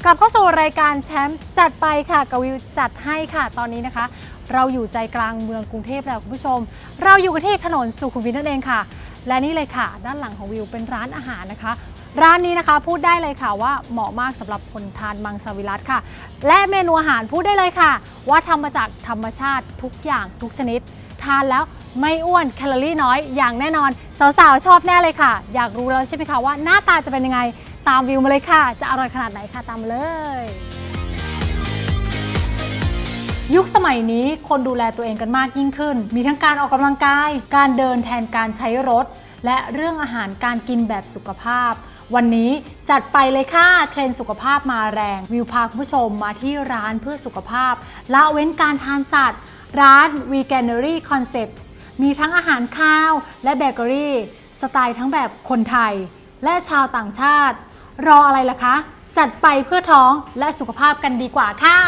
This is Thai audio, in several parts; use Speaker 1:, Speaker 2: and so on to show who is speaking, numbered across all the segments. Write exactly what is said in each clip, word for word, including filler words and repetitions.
Speaker 1: กลับเข้าสู่รายการแชมป์จัดไปค่ะกวิวจัดให้ค่ะตอนนี้นะคะเราอยู่ใจกลางเมืองกรุงเทพแล้วคุณผู้ชมเราอยู่กันที่ถนนสุขุมวิทนั่นเองค่ะและนี่เลยค่ะด้านหลังของวิวเป็นร้านอาหารนะคะร้านนี้นะคะพูดได้เลยค่ะว่าเหมาะมากสำหรับคนทานมังสวิรัติค่ะและเมนูอาหารพูดได้เลยค่ะว่าทำมาจากธรรมชาติทุกอย่างทุกชนิดทานแล้วไม่อ้วนแคลอรี่น้อยอย่างแน่นอนสาวๆชอบแน่เลยค่ะอยากรู้แล้วใช่ไหมคะว่าหน้าตาจะเป็นยังไงตามวิวมาเลยค่ะจะอร่อยขนาดไหนค่ะตามมาเลยยุคสมัยนี้คนดูแลตัวเองกันมากยิ่งขึ้นมีทั้งการออกกำลังกายการเดินแทนการใช้รถและเรื่องอาหารการกินแบบสุขภาพวันนี้จัดไปเลยค่ะเทรนด์สุขภาพมาแรงวิวพาคุณผู้ชมมาที่ร้านเพื่อสุขภาพละเว้นการทานสัตว์ร้าน Veganery Concept มีทั้งอาหารข้าวและเบเกอรี่สไตล์ทั้งแบบคนไทยและชาวต่างชาติรออะไรล่ะคะจัดไปเพื่อท้องและสุขภาพกันดีกว่าค่ะ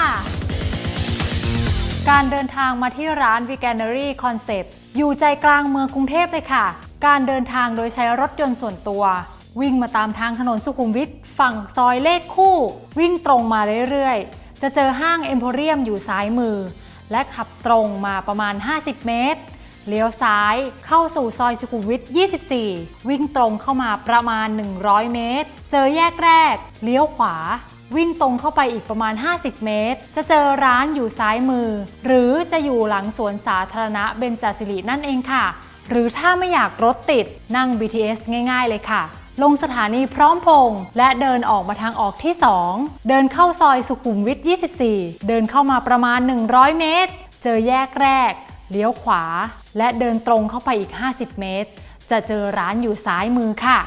Speaker 1: การเดินทางมาที่ร้าน Veganery Concept อยู่ใจกลางเมืองกรุงเทพเลยค่ะการเดินทางโดยใช้รถยนต์ส่วนตัววิ่งมาตามทางถนนสุขุมวิทฝั่งซอยเลขคู่วิ่งตรงมาเรื่อยๆจะเจอห้างเอ็มโพเรียมอยู่ซ้ายมือและขับตรงมาประมาณห้าสิบเมตรเลี้ยวซ้ายเข้าสู่ซอยสุขุมวิทยี่สิบสี่วิ่งตรงเข้ามาประมาณหนึ่งร้อยเมตรเจอแยกแรกเลี้ยวขวาวิ่งตรงเข้าไปอีกประมาณห้าสิบเมตรจะเจอร้านอยู่ซ้ายมือหรือจะอยู่หลังสวนสาธารณะเบญจศิรินั่นเองค่ะหรือถ้าไม่อยากรถติดนั่ง บี ที เอส ง่ายๆเลยค่ะลงสถานีพร้อมพงษ์และเดินออกมาทางออกที่สองเดินเข้าซอยสุขุมวิทยี่สิบสี่เดินเข้ามาประมาณหนึ่งร้อยเมตรเจอแยกแรกเลี้ยวขวาและเดินตรงเข้าไปอีกห้าสิบเมตรจะเจอร้านอยู่ซ้ายมือค่ะ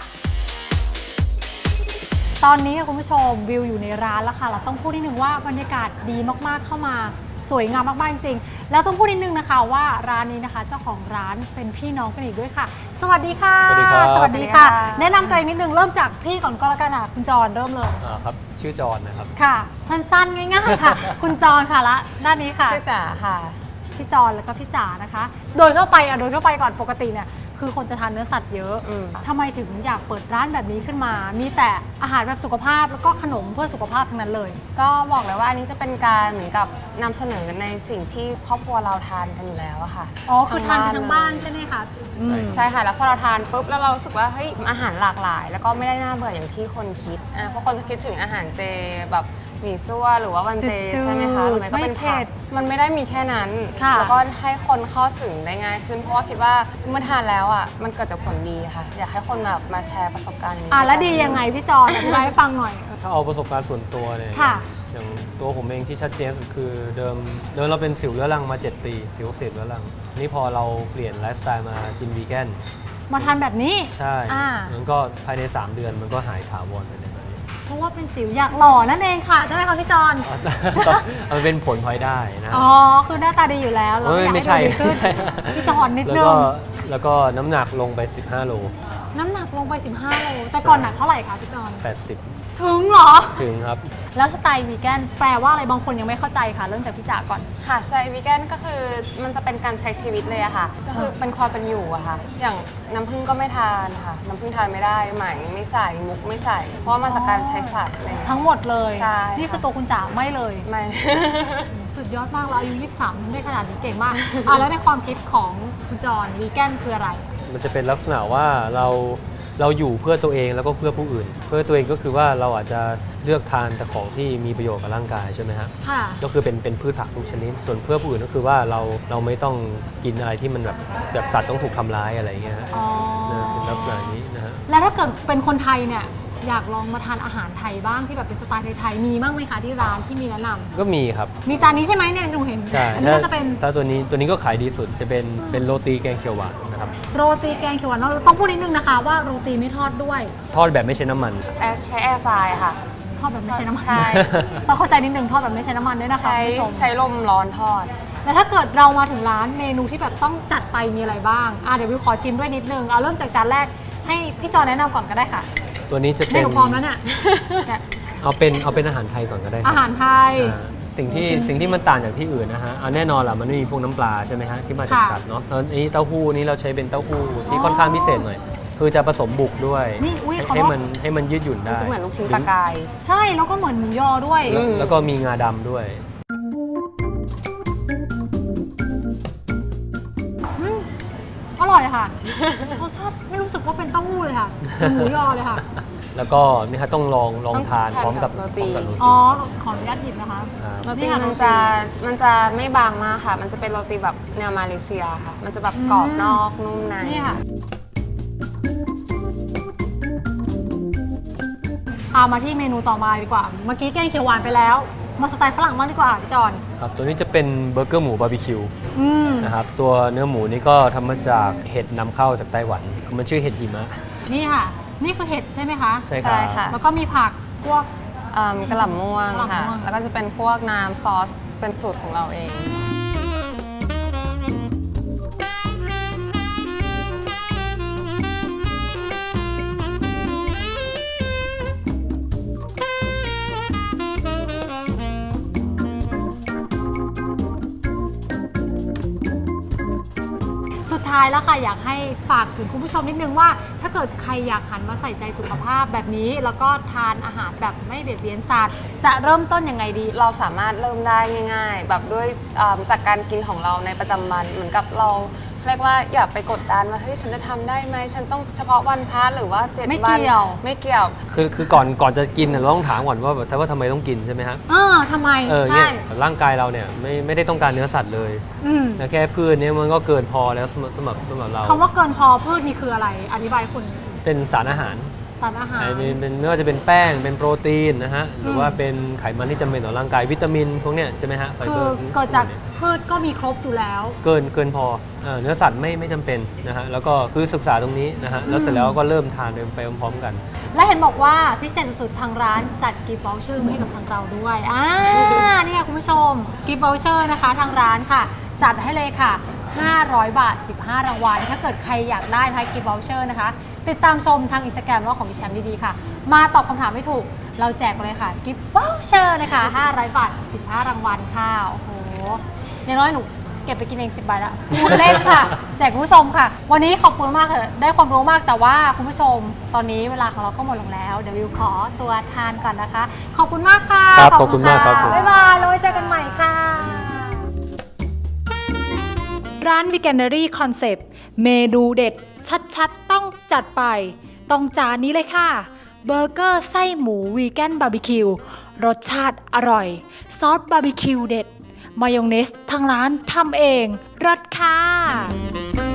Speaker 1: ตอนนี้คุณผู้ชมวิวอยู่ในร้านแล้วค่ะเราต้องพูดนิดนึงว่าบรรยากาศดีมากๆเข้ามาสวยงามมากๆจริงๆแล้วต้องพูดนิดนึงนะคะว่าร้านนี้นะคะเจ้าของร้านเป็นพี่น้องกันอีกด้วยค่ะสวัสดีค่ะสวัสดีครับสวัสดีค่ะแนะนำตัวเองนิดนึงเริ่มจากพี่ก่อนก็แล้วกันค่ะคุณจรเริ่มเลย
Speaker 2: อ่าครับชื่อจรนะครับ
Speaker 1: ค่ะสั้นๆง่ายๆค่ะคุณจรค่ะละด้านนี้ค่ะ
Speaker 3: ชื่อจ๋าค่ะ
Speaker 1: พี่จรแล้วก็พี่จ๋านะคะโดยทั่วไปอ่ะโดยทั่วไปก่อนปกติเนี่ยคือคนจะทานเนื้อสัตว์เยอะทำไมถึงอยากเปิดร้านแบบนี้ขึ้นมามีแต่อาหารแบบสุขภาพแล้วก็ขนมเพื่อสุขภาพทั้งนั้นเลย
Speaker 3: ก็บอกเลยว่าอันนี้จะเป็นการเหมือนกับนำเสนอในสิ่งที่ครอบครัวเราทานกันอยู่แล้วอะค่ะ
Speaker 1: อ๋อคือทานกันทั้งบ้านใช่ไหมคะ
Speaker 3: ใช่ค่ะแล้วพอเราทานปุ๊บแล้วเรารู้สึกว่าเฮ้ยอาหารหลากหลายแล้วก็ไม่ได้น่าเบื่ออย่างที่คนคิดอ่ะเพราะคนจะคิดถึงอาหารเจแบบหมี่ซั่วหรือว่าวันเจใช่ไหมคะหรือไม่ก็เป็นผักมันไม่ได้มีแค่นั้นแล้วก็ให้คนเข้าถึงได้ง่ายขึ้นเพราะว่าคิดว่าเมื่อทานแล้วอ่ะมันเกิดแต่ผลดีค่ะอยากให้คนแบบมาแชร์ประสบการณ์นี้
Speaker 1: อ่ะแล้วดียังไงพี่จอนอธิบายให้ฟังหน่อย
Speaker 2: ถ้าเอาประสบการณ์ส่วนตัวเนี่ยอย่างตัวผมเองที่ชัดเจนสุดคือเดิมเดิมเราเป็นสิวเรื้อรังมาเจ็ดปีสิวอักเสบเรื้อรังนี่พอเราเปลี่ยนไลฟ์สไตล์มากินวีแกน
Speaker 1: มาทานแบบนี้
Speaker 2: ใช่มันก็ภายในสามเดือนมันก็หายถาวรไปเลย
Speaker 1: เพราะว่าเป็นสิวอยากหล่อนั่นเองค่ะใช่ไหมคะพี่จอน
Speaker 2: มันเป็นผลพลอยได้นะ
Speaker 1: อ๋อคือหน้าตาดีอยู่แล้วเราอยากให้ดูดีขึ้นพี่จอนนิดนึง
Speaker 2: แล้วก็น้ำหนักลงไปสิบห้าโล
Speaker 1: น้ำหนักลงไปสิบห้าโลแต่ก่อนหนักเท่าไหร่คะพี่จอน
Speaker 2: แปดสิบ
Speaker 1: ถึงเหรอ
Speaker 2: ถึงครับ
Speaker 1: แล้วสไตล์วีแกนแปลว่าอะไรบางคนยังไม่เข้าใจค่ะเริ่มจากพี่จ๋าก่อน
Speaker 3: ค่ะสไตล์วีแกนก็คือมันจะเป็นการใช้ชีวิตเลยอะค่ะก็คือเป็นความเป็นอยู่อะค่ะอย่างน้ำผึ้งก็ไม่ทานค่ะน้ำผึ้งทานไม่ได้ไหมไม่ใส่มุกไม่ใส่เพราะมาจากการใช้สัตว์
Speaker 1: ทั้งหมดเลย
Speaker 3: ใช่
Speaker 1: นี่คือตัวคุณจ๋าไม่เลย
Speaker 3: ไม่
Speaker 1: สุดยอดมากเราอายุยี่สิบสามได้ขนาดนี้เก่งมากอ่ะแล้วในความคิดของคุณจอนวีแกนคืออะไร
Speaker 2: มันจะเป็นลักษณะว่าเราเราอยู่เพื่อตัวเองแล้วก็เพื่อผู้อื่นเพื่อตัวเองก็คือว่าเราอาจจะเลือกทานแต่ของที่มีประโยชน์กับร่างกายใช่ไหมฮะ
Speaker 1: ค่ะ
Speaker 2: ก็คือเป็นเป็นพืชผักทุกชนิดส่วนเพื่อผู้อื่นก็คือว่าเราเราไม่ต้องกินอะไรที่มันแบบแบบสัตว์ต้องถูกทำร้ายอะไรเงี้ยฮะเป็นลักษณะนี้นะฮะ
Speaker 1: แล้วถ้าเกิดเป็นคนไทยเนี่ยอยากลองมาทานอาหารไทยบ้างที่แบบเป็นสไตล์ไทยๆมีบ้างไหมคะที่ร้านที่มีแนะนำ
Speaker 2: ก็มีครับ
Speaker 1: มีจานนี้ใช่ไหมเนี่ยหนูเห็น
Speaker 2: ใช่
Speaker 1: อันนี้ก็จะเป็น
Speaker 2: ถ้าตัวนี้ตัวนี้ก็ขายดีสุดจะเป็นเป็นโรตีแกงเขียวหวานนะครับ
Speaker 1: โรตีแกงเขียวหวานเราต้องพูดนิดนึงนะคะว่าโรตีไม่ทอดด้วย
Speaker 2: ทอดแบบไม่ใช้น้ำมัน
Speaker 3: ใช้แอร์ฟรายค่ะ
Speaker 1: ทอดแบบไม่ใช้น้ำมันใช่ต้องเข้าใจนิดนึงทอดแบบไม่ใช้น้ำมันด้วยนะคะ
Speaker 3: ใช้ใช้ลมร้อนทอด
Speaker 1: แล้วถ้าเกิดเรามาถึงร้านเมนูที่แบบต้องจัดไปมีอะไรบ้างอ่ะเดี๋ยววิวขอชิมด้วยนิดนึงเอาเริ่มจากจานแรกให้พี่จอแนะนำก่อนก็ได้ค่ะ
Speaker 2: ตัวนี้จะเป็น
Speaker 1: เมนูพร้อมแล้วเนี่ย
Speaker 2: เอาเป็นเอาเป็นอาหารไทยก่อนก็ได้
Speaker 1: อาหารไทย
Speaker 2: สิ่งที่สิ่งที่มันต่างจากที่อื่นนะฮะเอาแน่นอนแหละมันไม่มีพวกน้ำปลาใช่ไหมฮะที่มาจากสัตว์เนาะอันนี้เต้าหู้นี้เราใช้เป็นเต้าหู้ที่ค่อนข้างพิเศษหน่อยคือจะผสมบุกด้วย
Speaker 1: นี่อุ๊ย
Speaker 2: ให้
Speaker 1: ขอโทษ
Speaker 2: ให้มันให้มันยืดหยุ่น
Speaker 3: มัน
Speaker 2: ได้
Speaker 3: จะเหมือนลูกชิ้นปลากาย
Speaker 1: ใช่แล้วก็เหมือนหมูยอด้วย
Speaker 2: แล้ว
Speaker 3: อืม
Speaker 2: แล้วก็มีงาดำด้วย
Speaker 1: อืมอร่อยค่ะ รสชาติไม่รู้สึกว่าเป็นเต้าหู้เลยค่ะเป็นหมูยอเลยค่ะ
Speaker 2: แล้วก็นี่ครับต้องลองลอง
Speaker 3: ต้อง
Speaker 2: ทาน
Speaker 3: ทาน
Speaker 2: พร้อมกับ
Speaker 3: กับโร
Speaker 2: พ
Speaker 3: ตี
Speaker 2: ร้อมกับโรตี
Speaker 1: อ๋อ ขออนุญาตหยิบนะคะ
Speaker 2: ครับ
Speaker 3: โร
Speaker 1: นี่
Speaker 3: ตี
Speaker 1: ค่ะ
Speaker 3: มัน
Speaker 1: โรตี
Speaker 3: จะมันจะไม่บางมากค่ะ มันจะเป็นโรตีแบบแนวมาเลเซียค่ะ มันจะแบบกรอบ
Speaker 1: อืม
Speaker 3: นอกนุ่มใน
Speaker 1: นี่ค่ะเอามาที่เมนูต่อมาดีกว่า เมื่อกี้แกงเขียวหวานไปแล้ว มาสไตล์ฝรั่งบ้างดีกว่าพี่จอน
Speaker 2: ครับตัวนี้จะเป็นเบอร์เกอร์หมูบาร์บีคิว
Speaker 1: อืม
Speaker 2: นะครับตัวเนื้อหมูนี่ก็ทำมาจากเห็ดนำเข้าจากไต้หวัน มันชื่อเห็ดหิมะ
Speaker 1: นี่ค่ะ นี่คือเห็ดใช่ไหมคะ
Speaker 2: ใช่ค
Speaker 3: ใช่
Speaker 2: รับ
Speaker 3: ค่ะ
Speaker 1: แล้วก็มีผักพวก
Speaker 3: เอิ่มกระหล่ำม่วง
Speaker 1: กระหล่ำ
Speaker 3: ค่ะ
Speaker 1: ม่วง
Speaker 3: แล้วก็จะเป็นพวกน้ำซอสเป็นสูตรของเราเอง
Speaker 1: สุดท้ายแล้วค่ะอยากให้ฝากถึงคุณผู้ชมนิดนึงว่า ถ้าเกิดใครอยากหันมาใส่ใจสุขภาพแบบนี้ แล้วก็ทานอาหารแบบไม่เบียดเบียนสัตว์จะเริ่มต้นยังไงดี
Speaker 3: เราสามารถเริ่มได้ง่ายๆ แบบด้วยเอิ่มจากการกินของเราในประจำวันเหมือนกับเราเรียกว่าอย่าไปกดดันว่าเฮ้ยฉันจะทำได้ไหมฉันต้องเฉพาะวันพระหรือว่าเจ็ด
Speaker 1: ไม่
Speaker 3: วัน
Speaker 1: เกี่ยว
Speaker 3: ไม่เกี่ยว
Speaker 2: คือคือก่อนก่อนจะกินน่ะเราต้องถามก่อนว่าแบบว่าทำไมต้องกินใช่ไหมฮะ
Speaker 1: เออทำไม
Speaker 2: เออ
Speaker 1: ใช่
Speaker 2: เนี่ยร่างกายเราเนี่ยไม่ไม่ได้ต้องการเนื้อสัตว์เลย
Speaker 1: อืม
Speaker 2: แต่แค่พืชเนี่ยมันก็เกินพอแล้วสำหรับสำหรับสำหรับเรา
Speaker 1: คำว่าเกินพอพืชนี่คืออะไร อธิบายคุณ
Speaker 2: เป็นสารอาหาร
Speaker 1: สารอาหาร
Speaker 2: ไอ้เป็นเป็นไม่ว่าจะเป็นแป้งเป็นโปรตีนนะฮะหรืออ
Speaker 1: ม
Speaker 2: ว่าเป็นไขมันที่จำเป็นต่อร่างกายวิตามินพวกเนี้ยใช่ไหมฮะไฟ
Speaker 1: คื
Speaker 2: เบอ
Speaker 1: อ
Speaker 2: ร์
Speaker 1: เกิดจากพืชก็มีครบอยู่แล้ว
Speaker 2: เกินเกินพอเอ่อเนื้อสัตว์ไม่ไม่จำเป็นนะฮะแล้วก็คือศึกษาตรงนี้นะฮะแล้วเสร็จแล้วก็เริ่มทานไปพร้อมๆกัน
Speaker 1: และเห็นบอกว่าพิเศษสุดๆทางร้านจัดกิฟต์วอลเชอร์ให้กับทางเราด้วยอ่าเนี่ยคุณผู้ชมกิฟต์วอลเชอร์นะคะทางร้านค่ะ จัดให้เลยค่ะ ห้าร้อย บาท สิบห้ารางวัลถ้าเกิดใครอยากได้นะคะกิฟต์วอลเชอร์นะคะติดตามชมทางอินสตาแกรมว่าของพี่แชมป์ดีๆค่ะ มาตอบคำถามไม่ถูกเราแจกไปเลยค่ะกิฟต์วอลเชอร์นะคะห้าร้อย บาท สิบห้ารางวัลค่ะโอ้โหอย่างน้อยหนูเก็บไปกินเองสิบใบละพูดเล่นค่ะ แจกคุณผู้ชมค่ะ วันนี้ขอบคุณมากเลยได้ความรู้มากแต่ว่าคุณผู้ชม ตอนนี้เวลาของเราก็หมดลงแล้ว เดี๋ยววิวขอตัวทานก่อนนะคะ ขอบคุณมากค่ะ
Speaker 2: ครับขอบคุณมากครับผม
Speaker 1: บ๊ายบายแล้วไว้เจอกันใหม่ค่ะ ร้าน Veganery Concept เมนูเด็ดชัดๆ ต้องจัดไป ต้องจานนี้เลยค่ะ เบอร์เกอร์ไส้หมูวีแกนบาร์บีคิวรสชาติอร่อย ซอสบาร์บีคิวเด็ด มายองเนสทางร้านทำเองรสค่ะ